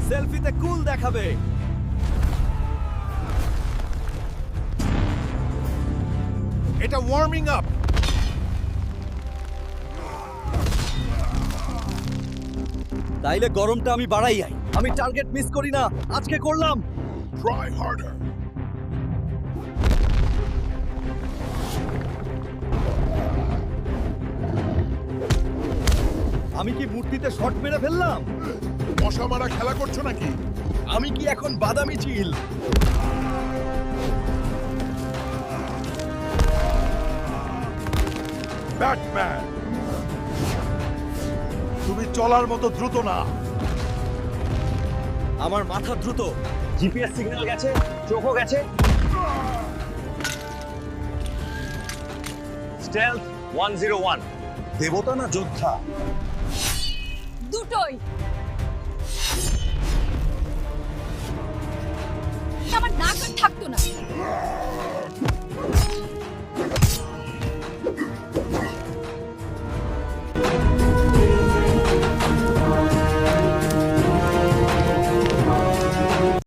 সেলফিতে কুল দেখাবে। এটা warming up. তাইলে গরমটা আমি বাড়াই আই। আমি টার্গেট মিস করি না, আজকে করলাম। Try harder. আমি কি মূর্তিতে শট মেরে ফেললাম? মশা মারা খেলা করছো নাকি? আমি কি এখন বাদামি চিল? ব্যাটম্যান, তুমি চলার মতো দ্রুত না। আমার মাথা দ্রুত। জিপিএস সিগন্যাল গেছে, চোখও গেছে। স্টেলথ 101। দেবতা না যোদ্ধা? দুটোই। আমার নাক আর থাকতো না।